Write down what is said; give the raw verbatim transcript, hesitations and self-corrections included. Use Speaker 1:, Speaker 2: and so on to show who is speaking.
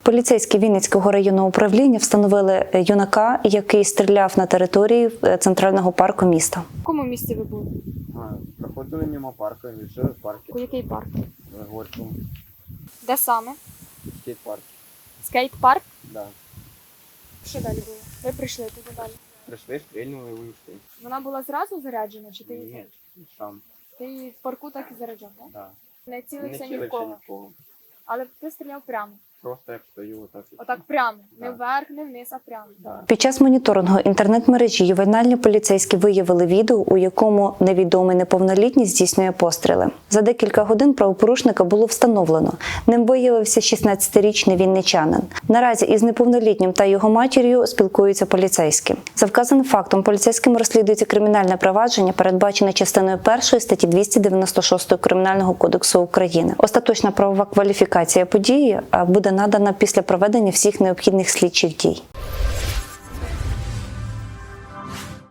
Speaker 1: Поліцейські Вінницького районного управління встановили юнака, який стріляв на території центрального парку міста.
Speaker 2: В якому місці ви були?
Speaker 3: А, проходили мимо парку, жили в парку.
Speaker 2: У який парк?
Speaker 3: В Горькому.
Speaker 2: Де саме?
Speaker 3: Скейт-парк.
Speaker 2: Скейт-парк?
Speaker 3: Да.
Speaker 2: Що далі було? Ви прийшли туди далі.
Speaker 3: Прийшли, стрільнули і вийшли.
Speaker 2: Вона була зразу заряджена, чи ти її
Speaker 3: Ні, сам.
Speaker 2: Ти її в парку так і заряджав, так?
Speaker 3: Да.
Speaker 2: Не
Speaker 3: Не
Speaker 2: цілився ні в
Speaker 3: цілився
Speaker 2: кого.
Speaker 3: ні в кого.
Speaker 2: Але ти стріляв прямо.
Speaker 3: Просто як стою, отак. і-
Speaker 2: Отак прямо. Не
Speaker 3: Да.
Speaker 2: вверх, не вниз, а прямо.
Speaker 3: Да.
Speaker 1: Під час моніторингу інтернет-мережі ювенальні поліцейські виявили відео, у якому невідомий неповнолітній здійснює постріли. За декілька годин правопорушника було встановлено. Ним виявився шістнадцятирічний вінничанин. Наразі із неповнолітнім та його матір'ю спілкуються поліцейські. За вказаним фактом поліцейським розслідується кримінальне провадження, передбачене частиною першої статті двісті дев'яносто шість Кримінального кодексу України. Остаточна правова кваліфікація події буде надана після проведення всіх необхідних слідчих дій.